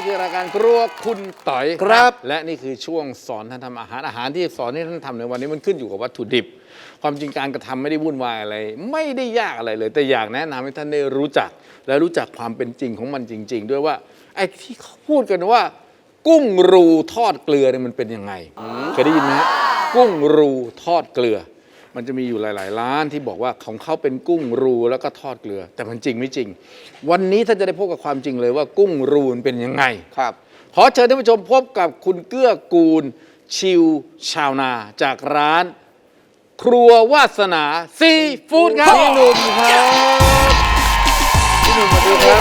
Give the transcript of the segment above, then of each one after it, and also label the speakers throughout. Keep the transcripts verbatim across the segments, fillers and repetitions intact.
Speaker 1: คือรายการครัวคุณต่อย
Speaker 2: ครับ
Speaker 1: และนี่คือช่วงสอนท่านทำอาหารอาหารที่สอนให้ท่านทำในวันนี้มันขึ้นอยู่กับวัตถุดิบ ความจริงการกระทำไม่ได้วุ่นวายอะไร ไม่ได้ยากอะไรเลย แต่อยากแนะนำให้ท่านได้รู้จัก และรู้จักความเป็นจริงของมันจริง ๆ ด้วยว่าไอ้ที่เขาพูดกันว่า กุ้งรูทอดเกลือเนี่ยมันเป็นยังไงเคยได้ยินไหมฮะกุ้งรูทอดเกลือ มันจะมีอยู่หลาย ๆ ร้านที่บอกว่าของเขาเป็นกุ้งรูแล้วก็ทอดเกลือ แต่มันจริงไม่จริง วันนี้ท่านจะได้พบกับความจริงเลยว่ากุ้งรูมันเป็นยังไง
Speaker 2: ครับ
Speaker 1: ขอเชิญท่านผู้ชมพบกับคุณเกื้อกูลชิวชาวนาจากร้าน ครัววาสนาซีฟู้ดครับพี่หนุ่มครับพี่หนุ่มมาดูครับ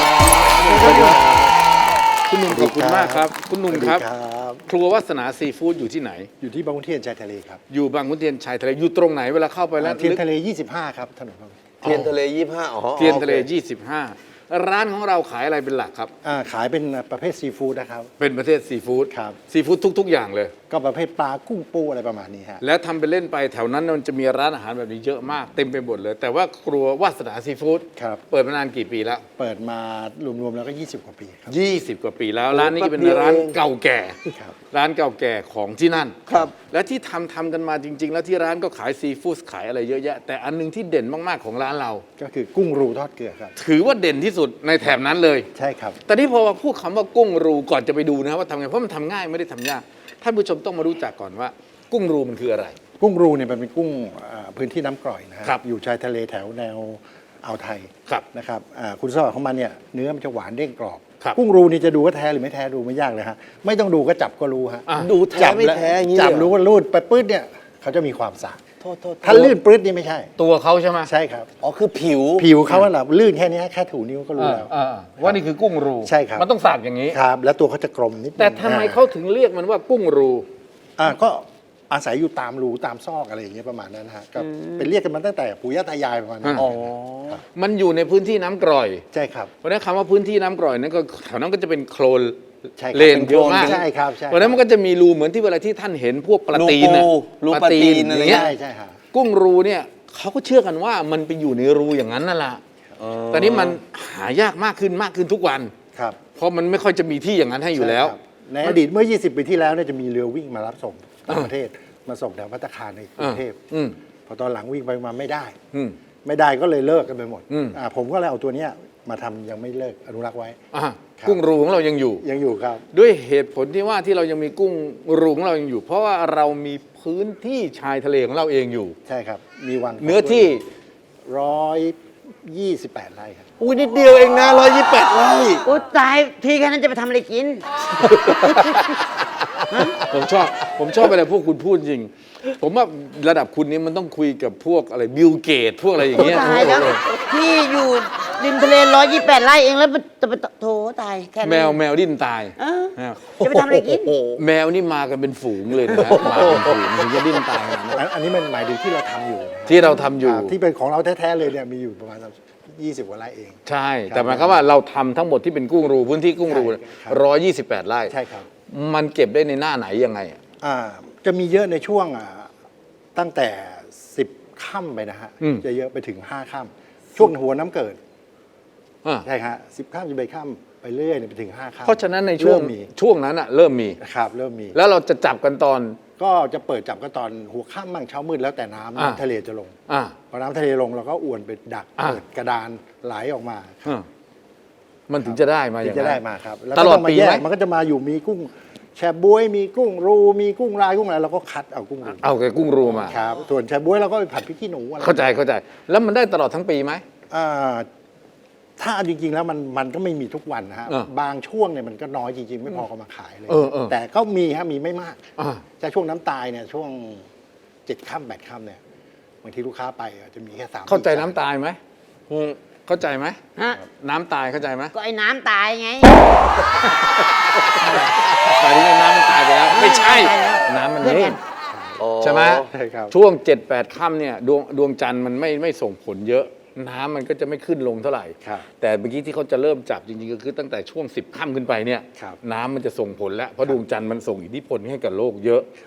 Speaker 1: คุณหนุ่มขอบคุณมากครับคุณหนุ่มครับ ครัววาสนาซีฟู้ดอยู่ที่ไหน
Speaker 3: อยู่ที่บางขุนเทียนชายทะเลครับ
Speaker 1: อยู่บางขุนเทียนชายทะเลอยู่ตรงไหนเวลาเข้าไปแล้ว
Speaker 3: เทียนทะเล ยี่สิบห้า ครับถนนบางขุน
Speaker 2: เทียนทะเลยี่ห้าอ๋อ
Speaker 1: เทียนทะเล
Speaker 2: โอค
Speaker 1: ยี่สิบห้า ร้านของเราขายอะไรเป็นหลักครับ
Speaker 3: อ่าขายเป็นประเภทซีฟู้ดนะครับ
Speaker 1: เป็นประเภทซีฟู้ด
Speaker 3: ครับ
Speaker 1: ซีฟู้ดทุก ๆ อย่างเลย
Speaker 3: ก็ประเภทปลากุ้งปูอะไรประมาณนี้ฮะ
Speaker 1: แล้วทำไปเล่นไปแถวนั้นมันจะมีร้านอาหารแบบนี้เยอะมากเต็มไปหมดเลย แต่ว่าครัววาสนาซีฟู้ด
Speaker 3: ครับ
Speaker 1: เปิดมานานกี่ปีแล้ว
Speaker 3: เปิดมารวมๆแล้วก็ ยี่สิบ กว่าปีครับ
Speaker 1: ยี่สิบ กว่าปีแล้ว ร้านนี้ก็เป็นร้านเก่าแก่
Speaker 3: ครับ
Speaker 1: ร้านเก่าแก่ของที่นั่น
Speaker 2: ครับ
Speaker 1: และที่ทำทำกันมาจริง ๆ แล้วที่ร้านก็ขายซีฟู้ดขายอะไรเยอะแยะ แต่อันหนึงที่เด่นมากๆของร้านเรา
Speaker 3: ก็คือกุ้งรูทอดเกลือครับ
Speaker 1: ถือว่าเด่นที่สุดในแถบนั้นเลย
Speaker 3: ใช่ครับ
Speaker 1: แต่นี่พอพูดคำว่ากุ้งรูก่อนจะไปดูนะครับว่าทำไงเพราะมันทำง่ายไม่ได้ทำยากท่านผู้ชมต้องมารู้จักก่อนว่า กุ้งรูมันคืออะไร
Speaker 3: กุ้งรูเนี่ยมันเป็นกุ้งอ่าพื้นที่น้ำกร่อยนะฮะ
Speaker 1: ครับ
Speaker 3: อยู่ชายทะเลแถวแนวอ่าวไทย
Speaker 1: ครับ
Speaker 3: นะครับอ่าคุณสมบัติของมันเนี่ยเนื้อมันจะหวานเด้งกรอบ
Speaker 1: ครับ
Speaker 3: กุ้งรูนี่จะดูว่าแท้หรือไม่แท้ดูไม่ยากเลยฮะไม่ต้องดูก็จับก็รู้ฮะ
Speaker 1: อ่ะ
Speaker 2: ดูแท้
Speaker 3: จับ
Speaker 2: ไม่
Speaker 3: ล้ว
Speaker 2: แท้อย่างนี้
Speaker 3: จับ
Speaker 2: เลยเห
Speaker 3: รู้ว่ารูดไปปื๊ดเนี่ยเขาจะมีความสาก
Speaker 2: โทษโทษ
Speaker 3: ถ้าลื่นปื๊ดนี่ไม่ใช่
Speaker 1: ตัวเขาใช่ไหม
Speaker 3: ใช่ครับ
Speaker 2: อ๋อคือผิว
Speaker 3: ผิวเขาอะนะลื่นแค่นี้แค่ถูนิ้วก็รู้
Speaker 1: อ่า
Speaker 3: แล้ว
Speaker 1: อ่าว่านี่คือกุ้งรู
Speaker 3: ใช่ครับ
Speaker 1: มันต้องสากอย่างนี้
Speaker 3: ครับ แล้วตัวเขาจะกลมนิดนึง
Speaker 1: แต่ทำไมเขาถึงเรียกมันว่ากุ้งรู
Speaker 3: อ่าก็อาศัยอยู่ตามรูตามซอกอะไรอย่างเงี้ยประมาณนั้นนะฮะก็เป็นเรียกกันมาตั้งแต่ปู่ย่าตายายประมาณนั้น
Speaker 1: อ๋อ มันอยู่ในพื้นที่น้ำกร่อย
Speaker 3: ใช่ครับ
Speaker 1: เพราะฉะนั้นคำว่าพื้นที่น้ำกร่อยนั้นก็แถวนั้นก็จะเป็นโคลน
Speaker 3: ใช่ครับ
Speaker 1: เลน
Speaker 3: เป็น
Speaker 1: เยอะมาก
Speaker 3: ใช่ครับใช่
Speaker 1: เพราะฉะนั้นมันก็จะมีรูเหมือนที่เวลาที่ท่านเห็นพวกปลาตีนน่ะ
Speaker 2: รูปลาตีนอะไร
Speaker 1: ย่าง
Speaker 2: เงี้
Speaker 1: เงี้
Speaker 2: ย
Speaker 1: ย
Speaker 3: ใช่ใช่ฮะ
Speaker 1: กุ้งรูเนี่ยเขาก็เชื่อกันว่ามันไปอยู่ในรูอย่างนั้นนั่นแหละตอนนี้มันหายากมากขึ้นมากขึ้นทุกวัน
Speaker 3: ครับ
Speaker 1: เพราะมันไม่ค่อยจะมีที่อย่างนั้นให้อยู่แล้ว
Speaker 3: ใช่ครับในอดีตเมื่อ ยี่สิบ ปีที่แล้วเนี่ยจะมีเรือวิ่งมารับส่งต่างประเทศมาส่งแถวภัตตาคารในกรุงเทพ
Speaker 1: อืม
Speaker 3: พอตอนหลังวิ่งไปมาไม่ได้
Speaker 1: อืม
Speaker 3: ไม่ได้ก็เลยเลิกกันไปหมด
Speaker 1: อืม
Speaker 3: อ่าผมก็เลยเอาตัวเนี้ยมาทำยังไม่เลิกอนุรักษ์ไว้
Speaker 1: อ่ะ
Speaker 3: ครับ
Speaker 1: กุ้งรูของเรายังอยู่
Speaker 3: ยังอยู่ครับ
Speaker 1: ด้วยเหตุผลที่ว่าที่เรายังมีกุ้งรูของเรายังอยู่ เพราะว่าเรามีพื้นที่ชายทะเลของเราเองอยู่
Speaker 3: ใช่ครับ มีวัง
Speaker 1: เนื้อที่
Speaker 3: ร้อยยี่สิบแปดไร่ครับ
Speaker 2: อุ้ยนิดเดียวเองนะร้อยยี่สิบแปดไร่
Speaker 4: อุ้ยตายทีแค่นั้นจะไปทำอะไรกิน
Speaker 1: ผมชอบผมชอบอะไรพวกคุณพูดจริง ผมว่าระดับคุณนี้มันต้องคุยกับพวกอะไรบิลเกตพวกอะไรอย่างเงี้ย
Speaker 4: ตายแล้วที่อยู่ริมทะเลร้อยยี่แปดไร่เองแล้วมันจะไปโถตายแค่นั้น
Speaker 1: แมวแมวดิ้นตาย
Speaker 4: เออ
Speaker 1: แมว
Speaker 4: จะไปทำอะไรกิน
Speaker 1: แมวนี่มากันเป็นฝูงเลยนะมาเป็นฝูงถึงจะดิ้นตายขนาดนั้น
Speaker 3: อันอันนี้มันหมายถึงที่เราทำอยู่นะครับ
Speaker 1: ที่เราทำอยู่
Speaker 3: ครับที่เป็นของเราแท้ๆเลยเนี่ยมีอยู่ประมาณยี่สิบกว่าไร่เอง
Speaker 1: ใช่ แต่หมายความว่าเราทำทั้งหมดที่เป็นกุ้งรูพื้นที่กุ้งรู
Speaker 3: ใช่ครับ
Speaker 1: ร้อยยี่สิบแปดไร่
Speaker 3: ใช่ครับ
Speaker 1: มันเก็บได้ในหน้าไหนยังไงอะ
Speaker 3: อ่าจะมีเยอะในช่วงอ่าตั้งแต่สิบค่ำไปนะฮะจะเยอะไปถึงห้าค่ำช่วงหัวน้ำเกิด
Speaker 1: อ่ะ
Speaker 3: ใช่ฮะสิบค่ำสิบเอ็ดค่ำไปเรื่อยเนี่ยไปถึงห้าค่ำ
Speaker 1: เพราะฉะนั้นในช่วง
Speaker 3: เริ่มมี
Speaker 1: ช่วงนั้นอะเริ่มมี
Speaker 3: ครับเริ่มมี
Speaker 1: แล้วเราจะจับกันตอน
Speaker 3: ก็จะเปิดจับก็ตอนหัวค่ำมั่งเช้ามืดแล้วแต่น้ำ
Speaker 1: อ่า
Speaker 3: น้ำทะเลจะลง
Speaker 1: อ่ะ
Speaker 3: พอน้ำทะเลลงเราก็อวนไปดัก
Speaker 1: อ่า
Speaker 3: เปิดกระดานไหลออกมา
Speaker 1: อ่ะมันถึงจะได้มาอ
Speaker 3: ถึ
Speaker 1: ย่าง ง
Speaker 3: จะ
Speaker 1: นั้น
Speaker 3: ได้มาครับแล้ว
Speaker 1: ต
Speaker 3: ก็
Speaker 1: ลอด
Speaker 3: ต้องมา
Speaker 1: ปี
Speaker 3: แย
Speaker 1: ไหม
Speaker 3: กมันก็จะมาอยู่มีกุ้งแชบวยมีกุ้งรูมีกุ้งลายกุ้งอะไรเราก็คัดเอากุ้งรู
Speaker 1: เอาแต่กุ้งรูมา
Speaker 3: ครับส่วนแชบวยเราก็ไปผัดพริกขี้หนูอะไร
Speaker 1: เข้าใจเข้าใจ แล้วมันได้ตลอดทั้งปีไหม
Speaker 3: อ่าถ้าจริงๆแล้วมันมันก็ไม่มีทุกวันนะฮะ
Speaker 1: อ่า
Speaker 3: บางช่วงเนี่ยมันก็น้อยจริงๆ ไม่พอก็มาขายเลย
Speaker 1: เออเออ
Speaker 3: แต่ก็มีฮะมีไม่มาก
Speaker 1: อ่ะ
Speaker 3: แต่ช่วงน้ำตายเนี่ยช่วงเจ็ดค่ำแปดค่ำเนี่ยบางทีลูกค้าไปอ่ะจะมีแค่สาม
Speaker 1: เข้าใจ
Speaker 3: สี่
Speaker 1: น้ำตายไหมเข้าใจไหม
Speaker 4: ฮะ
Speaker 1: น้ำตายเข้าใจไหม
Speaker 4: ก็ไอ้น้ำตายไง
Speaker 1: ตอนนี้น้ำมันตายไปแล้ว ไม่ใช่
Speaker 4: ตายแล้ว
Speaker 1: น้ำมัน
Speaker 4: เพื่อน
Speaker 1: นิ่
Speaker 4: กั
Speaker 1: ง
Speaker 4: น
Speaker 1: ใช่ไหม
Speaker 3: ใช่ครับ
Speaker 1: ช่วงเจ็ดแปดค่ำเนี่ยดวงดวงจันทร์มันไม่ไม่ส่งผลเยอะ น้ำมันก็จะไม่ขึ้นลงเท่าไหร่
Speaker 3: ครับ
Speaker 1: แต่เมื่อกี้ที่เขาจะเริ่มจับจริงๆก็คือตั้งแต่ช่วงสิบค่ำขึ้นไปเนี่ย
Speaker 3: ครับ
Speaker 1: น้ำมันจะส่งผลแล้วเพราะดวงจันทร์มันส่งอิทธิพลให้กับโลกเยอะ
Speaker 3: ครับ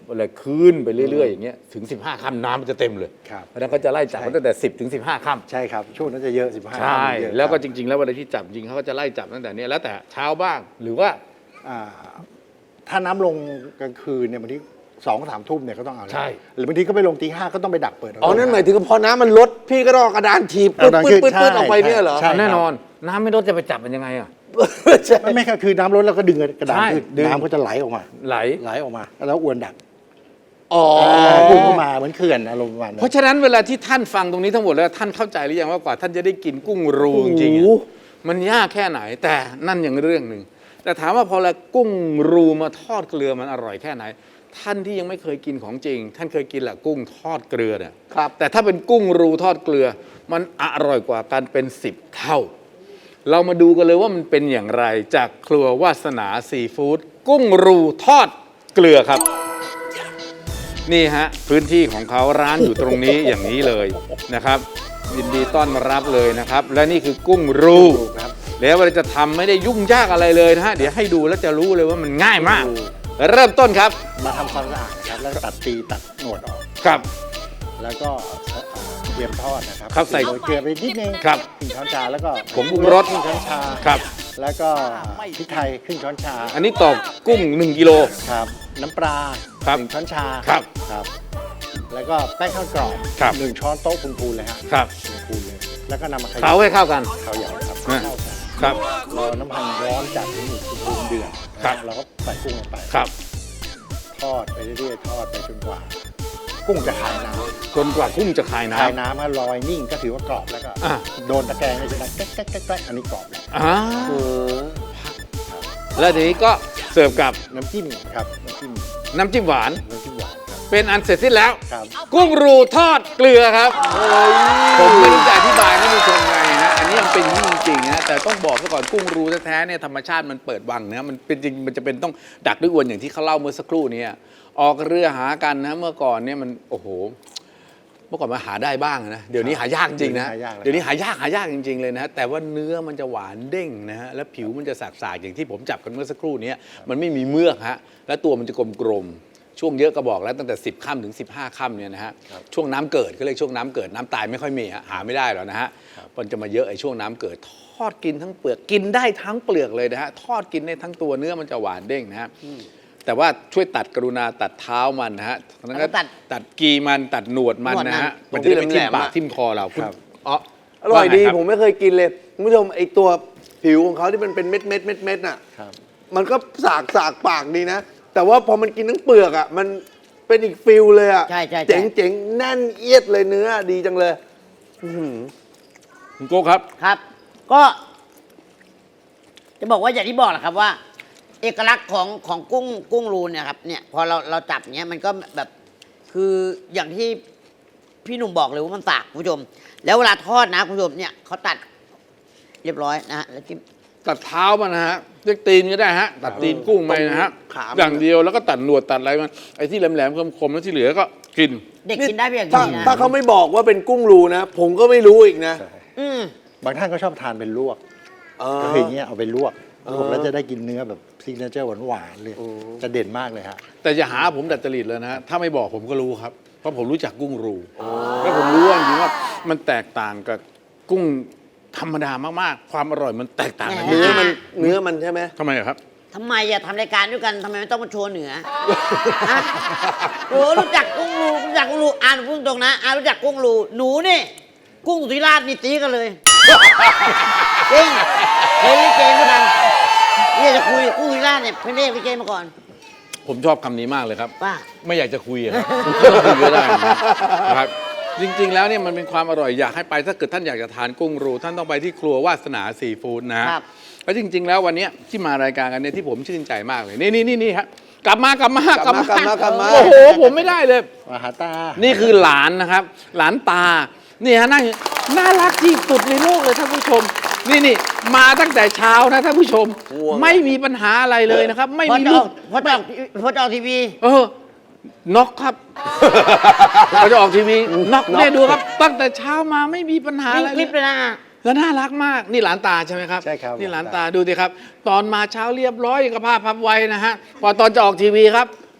Speaker 1: อะไรคืนไปเรื่อยๆอย่างเงี้ยถึงสิบห้าค่ำน้ำมันจะเต็มเลย
Speaker 3: ครับ
Speaker 1: เพราะฉะนั้นเขาจะไล่จับตั้งแต่สิบถึงสิบห้าค่ำ
Speaker 3: ใช่ครับ ช่วงนั้นจะเยอะสิบห้า
Speaker 1: ใช่
Speaker 3: เยอะ
Speaker 1: แล้วก็
Speaker 3: ครับ
Speaker 1: จริง ๆ แล้วเวลาที่จับจริงเขาก็จะไล่จับตั้งแต่เนี้ยแล้วแต่เช้าบ้างหรือว่า
Speaker 3: อ่าถ้าน้ำลงกลางคืนเนี่ยบางทีสองสามทุ่มเนี่ยก็ต้องเอาแล้ว
Speaker 1: ใช่
Speaker 3: หรือบางทีก็ไปลงตีห้าก็ต้องไปดักเปิด
Speaker 2: อ๋อ นั่นหมายถึงพอน้ำมันลด พี่ก็ต้องเอากระดานถีบ
Speaker 3: เอา
Speaker 2: ปื๊ด
Speaker 3: กระดาน
Speaker 2: ปื๊ดปื๊ด
Speaker 3: ใช่
Speaker 2: ปื๊ดออกไปเนี่ยเหรอ
Speaker 3: ใช่
Speaker 1: แน่นอนน้ำไม่ลดจะไปจับมันยังไงอ่ะ
Speaker 2: ใช่
Speaker 3: ไม่ไม่ครับคือน้ำลดแล้วก็ดึงกระดาน
Speaker 1: ใช่
Speaker 3: ขึ้น
Speaker 1: ดึง
Speaker 3: น้ำก็จะไหลออกมา
Speaker 1: ไหล
Speaker 3: ไหลออกมา แล้วอวนดัก
Speaker 2: อ๋อ
Speaker 3: พุ่งเข้ามาเหมือนเขื่อนอารมณ์ประมาณนั้
Speaker 1: เพราะ
Speaker 3: น
Speaker 1: ฉะนั้นเวลาที่ท่านฟังตรงนี้ทั้งหมดแล้วท่านเข้าใจหรือยังว่ากว่าท่านจะได้กินกุ้งรูจริงๆอะ
Speaker 2: โอ้โห
Speaker 1: มันยากแค่ไหนแต่นั่นอย่างเรื่องหนึ่งแต่ถามว่าพอละกุ้งรูมาทอดเกลือมันอร่อยแค่ไหน ท่านที่ยังไม่เคยกินของจริง ท่านเคยกินแหละกุ้งทอดเกลือเนี่ย
Speaker 2: ครับ
Speaker 1: แต่ถ้าเป็นกุ้งรูทอดเกลือ มันอร่อยกว่ากันเป็นสิบเท่า เรามาดูกันเลยว่ามันเป็นอย่างไรจากครัววาสนาซีฟู้ดกุ้งรูทอดเกลือครับ นี่ฮะพื้นที่ของเขาร้านอยู่ตรงนี้อย่างนี้เลยนะครับยินดีต้อนรับเลยนะครับ และนี่คือกุ้งรู
Speaker 3: ครับ
Speaker 1: แล้วเราจะทำไม่ได้ยุ่งยากอะไรเลยนะฮะเดี๋ยวให้ดูแล้วจะรู้เลยว่ามันง่ายมาก เริ่มต้นครับ
Speaker 3: มาทำความสะอาดนะครับแล้วก็ตัดตีตัดหนวดออก
Speaker 1: ครับ
Speaker 3: แล้วก็เอ่อเตรียมทอดนะครับ
Speaker 1: ครับใส่
Speaker 3: โรยเกลือไปนิดนึง
Speaker 1: ครับ
Speaker 3: ครึ่งช้อนชาแล้วก็
Speaker 1: ผงปรุงรส
Speaker 3: ครึ่งช้อนชา
Speaker 1: ครับ
Speaker 3: แล้วก็พริกไทยครึ่งช้อนชา
Speaker 1: อันนี้ตอกกุ้งหนึ่งกิโล
Speaker 3: ครับ น้ำปลา
Speaker 1: ครับ
Speaker 3: หนึ่งช้อนชา
Speaker 1: ครับ
Speaker 3: ครับ แล้วก็แป้งข้าวกรอบ
Speaker 1: ครับ
Speaker 3: หนึ่งช้อนโต๊ะพูนๆเลยฮะ
Speaker 1: ครับ
Speaker 3: พูนๆเลย แล้วก็นำมาขยำ
Speaker 1: เผาให้เข้ากัน
Speaker 3: ข้าวใหญ่ครับ
Speaker 1: อ่ะ
Speaker 3: เข้ากัน
Speaker 1: ครับ
Speaker 3: รอน้ำมันร้อนจัดถึงอุณหภูมิเดือด
Speaker 1: ครับ
Speaker 3: เราก็ใส่กุ้งลงไป
Speaker 1: ครับ
Speaker 3: ทอดไปเรื่อยๆทอดไปจนกว่า กุ้งจะคายน้ำ
Speaker 1: จนกว่ากุ้งจะคาย
Speaker 3: คาย
Speaker 1: น้ำ
Speaker 3: น้ำให้ลอยนิ่งก็ถือว่ากรอบแล้วก็
Speaker 1: อ่ะ
Speaker 3: โดนตะแกรงเลยจะดังแก๊กแก๊กแก๊กแก๊กอันนี้กรอบแล้ว
Speaker 1: อ่า
Speaker 2: เออ
Speaker 1: แล้วทีนี้ก็เสิร์ฟกับ
Speaker 3: น้ำจิ้มครับน้ำจิ้ม
Speaker 1: น้ำจิ้มหวาน
Speaker 3: น้ำจิ้มหวานครับ
Speaker 1: เป็นอันเสร็จสิ้นแล้ว
Speaker 3: ครับ
Speaker 1: กุ้งรูทอดเกลือครับผมไม่รู้จะอธิบายให้ผู้ชมไงนะอันนี้มันเป็นอย่างนี้จริงๆนะแต่ต้องบอกซะก่อนกุ้งรูแท้ๆเนี่ยธรรมชาติมันเปิดวังนะมันเป็นจริงมันจะเป็นต้องดักด้วยอวนอย่างที่เขาเล่าเมื่อสักครู่เนี้ออกเรือหากันนะเมื่อก่อนเนี่ยมันโอ้โหเมื่อก่อนมันหาได้บ้างนะเดี๋ยวนี้หายากจริงนะ
Speaker 3: หายากเลย
Speaker 1: เดี๋ยวนี้หายากหายากจริง ๆเลยนะแต่ว่าเนื้อมันจะหวานเด้งนะฮะแล้วผิวมันจะสากๆอย่างที่ผมจับกันเมื่อสักครู่นี้มันไม่มีเมือกฮะและตัวมันจะกลมๆช่วงเยอะก็บอกแล้วตั้งแต่สิบค่ำถึงสิบห้าค่ำเนี่ยนะฮะช่วงน้ำเกิดก็เรียกช่วงน้ำเกิดน้ำตายไม่ค่อยมีฮะหาไม่ได้หรอกนะฮะมันจะมาเยอะไอ้ช่วงน้ำเกิดทอดกินทั้งเปลือกกินได้ทั้งเปลือกเลยนะฮะทอดกินได้ทั้งตัวเนื้อมันจะหวานเด้งนะฮะแต่ว่าช่วยตัดกรุณาตัดเท้ามันนะฮะแล้วก็
Speaker 4: ตัด
Speaker 1: ตัดกีมันตัดหนวดมันนะฮะ
Speaker 2: หนวดมัน
Speaker 1: มันจะได้ไม่ทิ่ม
Speaker 2: ตรงที่แหลมๆ
Speaker 1: ปาก
Speaker 2: อะ
Speaker 1: ทิ่มคอเราคุณ
Speaker 3: ครับ
Speaker 1: อ๋อ
Speaker 2: อร่อยดี
Speaker 1: ว่าไงคบ
Speaker 2: ผมไม่เคยกินเลยคุณผู้ชมไอตัวผิวของเขาที่มันเป็นเม็ดเม็ดเม็ดเม็ดน่ะ
Speaker 3: ครับ
Speaker 2: มันก็สากสากปากดีนะ แต่ว่าพอมันกินทั้งเปลือกอ่ะมันเป็นอีกฟิลเลยอ่ะ
Speaker 4: ใช่ใช่ใช่
Speaker 2: เจ๋งเจ๋งแน่นเอียดเลยเนื้อดีจังเลยอื้อหือ
Speaker 1: คุณโก้ครับ
Speaker 4: ครับ ก็ จะบอกว่าอย่างที่บอกแหละครับว่า เอกลักษณ์ของของกุ้งกุ้งรูเนี่ยครับเนี่ยพอเราเราจับเนี้ยมันก็แบบ คืออย่างที่พี่หนุ่มบอกเลยว่ามันสากคุณผู้ชม แล้วเวลาทอดนะคุณผู้ชมเนี่ยเขาตัด เรียบร้อยนะฮะแล้วจิ้ม
Speaker 1: ตัดเท้ามันนะฮะเรียกตีนก็ได้ฮะตัดตีนกุ้งไปนะฮะ
Speaker 2: ขามัน
Speaker 1: อย่างเดียวแล้วก็ตัดหนวดตัดอะไรมันไอ้ที่แหลมๆคมๆแล้วที่เหลือก็กิน
Speaker 4: เด็กกินได้เพียง
Speaker 2: ถ้า
Speaker 4: นี้นะ
Speaker 2: ถ้าเขาไม่บอกว่าเป็นกุ้งรูนะ ผมก็ไม่รู้อีกนะ
Speaker 3: ใช่
Speaker 4: อืม
Speaker 3: บางท่านก็ชอบทานเป็นลวก
Speaker 2: เออ
Speaker 3: ก็คืออย่างเงี้ยเอาไปลวก
Speaker 2: เออ
Speaker 3: ลวกแล้วจะได้กินเนื้อแบบซิกเนเจอร์หวานๆเลย
Speaker 2: โอ้
Speaker 3: จะเด่นมากเลยฮะ
Speaker 1: แต่อย่าหาผมดัดจริตเลยนะฮะถ้าไม่บอกผมก็รู้ครับ เพราะผมรู้จักกุ้งรูแล้วผมรู้ว่าจริงๆว่ามันแตกต่างกับกุ้งธรรมดามากๆ ความอร่อยมันแตกต่างกัน
Speaker 2: เนื้อมันเนื้อมันใช่ไหม
Speaker 1: ทำไมอะครับ
Speaker 4: ทำไมอะทำรายการด้วยกันทำไมไม่ต้องมาโชว์เหนือ ฮะโอ้รู้จักกุ้งรูรู้จักกุ้งรูอ่านพูดตรงนะอ่านรู้จักกุ้งรูหนูนี่ กุ้งสุธิราชนี่ตีกันเลย จริงเคยเล่นเกมด้วยกันเนี่ยจะคุยกุ้งสุธิราชเนี่ยเพิ่งเล่นเกมมาก่อน
Speaker 1: ผมชอบคำนี้มากเลยครับ
Speaker 4: ว่า
Speaker 1: ไม่อยากจะคุยอะครับไม่ต้องคุยก็ได้นะครับ จริง ๆ แล้วเนี่ยมันเป็นความอร่อยอยากให้ไปถ้าเกิดท่านอยากจะทานกุ้งรูท่านต้องไปที่ครัววาสนาซีฟู้ดนะฮะ
Speaker 4: ครับ
Speaker 1: แล้วจริง ๆ แล้ววันเนี้ยที่มารายการกันเนี่ยที่ผมชื่นใจมากเลยนี่นี่นี่นี่ครับกลับมากลับมากลับมาก
Speaker 2: ลับมากลับมา
Speaker 1: โอ้โหผมไม่ได้เลย
Speaker 3: มาหาตา
Speaker 1: นี่คือหลานนะครับ หลานตา นี่ฮะนั่งน่ารักที่สุดในโลกเลยท่านผู้ชม นี่นี่มาตั้งแต่เช้านะท่านผู้ชม
Speaker 2: ง่วง
Speaker 1: ไม่มีปัญหาอะไรเลยนะครับ ไม่
Speaker 4: พอ
Speaker 1: มี
Speaker 4: จะอ
Speaker 1: ลู
Speaker 4: อก
Speaker 1: ก
Speaker 4: พอจะออกพอจะออกทีวี
Speaker 1: เออน็อกครับ เราจะออกทีวีน็อกเนี่ยดูครับ ตั้งแต่เช้ามาไม่มีปัญหา
Speaker 4: วิ่
Speaker 1: อะ
Speaker 4: ง
Speaker 1: ไร
Speaker 4: คลิป
Speaker 1: เล
Speaker 4: เลย ยนะ
Speaker 1: แล้วน่ารักมากนี่หลานตาใช่ไหมครับ
Speaker 3: ใช่ครับ
Speaker 1: นี่หลาน
Speaker 3: หลาน
Speaker 1: ตา
Speaker 3: ตา
Speaker 1: ดูสิครับ ตอนมาเช้าเรียบร้อยอย่างกับผ้าพับไว้นะฮะพอตอนจะออกทีวีครับ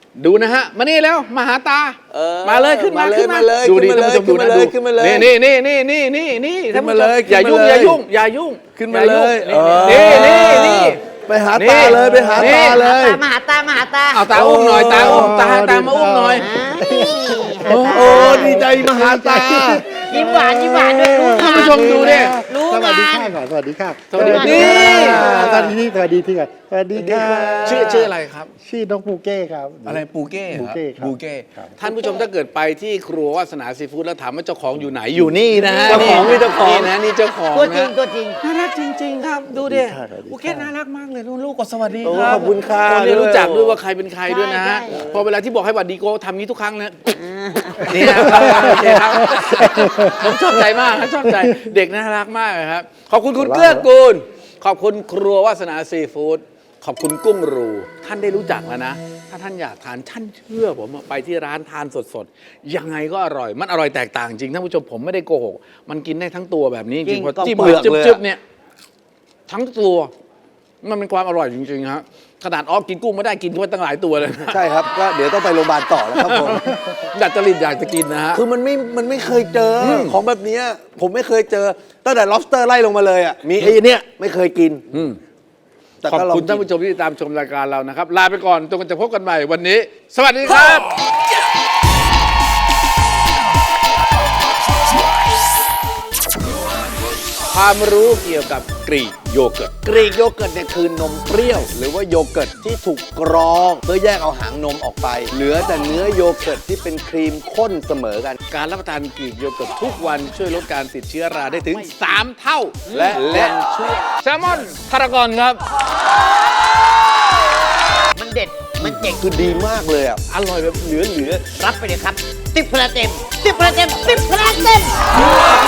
Speaker 1: ดูนะฮะมานี่แล้วมาหาตา
Speaker 2: เออ
Speaker 1: มาเลยขึ้นมา
Speaker 2: มาเลย
Speaker 1: ขึ้นมา
Speaker 2: มาเลย
Speaker 1: ดูดิ
Speaker 2: ขึ้นมาเลย
Speaker 1: ท่านผู้ชมดูนะ
Speaker 2: ขึ้นมาเลย
Speaker 1: ดู
Speaker 2: ขึ้นมาเลย
Speaker 1: นี่นี่นี่นี่นี่นี่
Speaker 2: ขึ้นมาเลย
Speaker 1: อย่ายุ่ง
Speaker 2: ขึ้นมาเลย
Speaker 1: อย่ายุ่งอย่ายุ่ง
Speaker 2: ขึ้นมาเลย
Speaker 1: อย่า
Speaker 2: เอ
Speaker 1: ยุ่ง
Speaker 2: อ
Speaker 1: นี่นี่นี่
Speaker 2: ไปหาตาเลยไปหา
Speaker 1: นี่
Speaker 2: ตาเลย
Speaker 4: มาหาตามาหาตา
Speaker 1: เอาตาอุ้มหน่อยตาอุ้มตาตามาอุ้มหน่อย
Speaker 4: อ้าว
Speaker 2: โอ้ดีใจมาหาตา
Speaker 4: ยิ้มหวานยิ้มหวานด้วยรู้
Speaker 1: ท่าน
Speaker 4: งา
Speaker 1: ผู้
Speaker 4: น
Speaker 1: ชมดูดิ
Speaker 4: รู้
Speaker 3: สวัสดี
Speaker 4: งาน
Speaker 3: ค่ะก่อนสวัสดีค่ะ
Speaker 1: สวัสดี
Speaker 3: นี่
Speaker 1: นี่
Speaker 3: สวัสดีที่สวัสดีที่ก่อนสวัสดีค่ะ
Speaker 1: ชื่อชื่ออะไรครับ
Speaker 3: ชื่อน้องปูเก้ครับ
Speaker 1: อะไรปูเก้เหรอ
Speaker 3: ปูเก้ครับ
Speaker 1: ปูเก้
Speaker 3: ครับ
Speaker 1: ท่านผู้ชมถ้าเกิดไปที่ครัววาสนาซีฟู้ดแล้วถามว่าเจ้าของอยู่ไหนอยู่นี่นะฮะ
Speaker 2: เจ้าของนี่เจ้าของ
Speaker 1: นี่นะนี่เจ้าของ
Speaker 4: ตัวจริง
Speaker 1: นะ
Speaker 4: ตัวจริง
Speaker 1: น่ารักจริง ๆ ครับ ดูดิ
Speaker 3: สวัสดีค่ะ
Speaker 1: ปูเก้น่ารักมากเลยลูกๆก็สวัสดี
Speaker 2: โอ้
Speaker 1: ครับ
Speaker 2: ขอบคุณค่ะ
Speaker 1: คนนี้รู้จัก
Speaker 2: ด้วย
Speaker 1: ด้วยว่าใครเป็นใครด้วยนะฮะ
Speaker 4: ใช่ใช่
Speaker 1: พอเวลาที่บอกให้หวัดดีโก้ทำนี้ทุกครั้งนะนี่นะโอเคครับผมชอบใจมากครับชอบใจเด็กน่ารักมากเลยครับขอบคุณคุณเกื้อกูลขอบคุณครัววาสนาซีฟู้ดขอบคุณกุ้งรู ท่านได้รู้จักแล้วนะ ถ้าท่านอยากทานท่านเชื่อผมว่าไปที่ร้านทานสดๆ ยังไงก็อร่อย มันอร่อยแตกต่างจริงท่านผู้ชมผมไม่ได้โกหก มันกินได้ทั้งตัวแบบนี้จ
Speaker 4: จริ
Speaker 1: ริง
Speaker 4: ง
Speaker 1: พอจิ้ม
Speaker 2: เปลือก
Speaker 1: จึ๊บ
Speaker 2: เลยอะ
Speaker 1: จึ๊บเนี่ยทั้งตัว มันเป็นความอร่อยจริงๆครับขนาดออฟกินกุ้งไม่ได้กินเข้าไปตั้งหลายตัวเลยนะ
Speaker 2: ใช่ครับก็เดี๋ยวต้องไปโรงพยาบาลต่อแล้วครับผม
Speaker 1: อยากจะริดอยากจะกินนะฮะ
Speaker 2: คือมันไม่ มันไม่เคยเจออของแบบเนี้ยผมไม่เคยเจอ ตั้งแต่ lobster ไล่ลงมาเลยอ่ะ มีไอ้เนี่ยไม่เคยกิน
Speaker 1: อืม
Speaker 2: แต่
Speaker 1: ขอบ
Speaker 2: ก็ลอง
Speaker 1: คุณท่าน
Speaker 2: กิน
Speaker 1: ผู้ชมที่ติดตามชมรายการเรานะครับ ลาไปก่อนจนกันจะพบกันใหม่วันนี้ สวัสดีครับ ความรู้เกี่ยวกับกรีกโยเกิร์ต
Speaker 2: กรีกโยเกิร์ตเนี่ยคือนมเปรี้ยว หรือว่าโยเกิร์ตที่ถูกกรองเพื่อแยกเอาหางนมออกไป เหลือแต่เนื้อโยเกิร์ตที่เป็นครีมข้นเสมอกัน
Speaker 1: การรับประทานกรีกโยเกิร์ตทุกวันช่วยลดการติดเชื้อราได้ถึง สาม เท่า
Speaker 2: และ
Speaker 1: และ
Speaker 2: ยังช่วย
Speaker 1: แซลมอนพารากอนครับ
Speaker 4: มันเด็ดมันเจ๋ง
Speaker 2: คือดีมากเลยอ่ะ
Speaker 1: อร่อยแบบเหลือเหลือ
Speaker 4: รับไปเลยครับสิบคะแนนเต็มสิบคะแนนเต็มสิบคะแนนเต็ม
Speaker 1: ๆ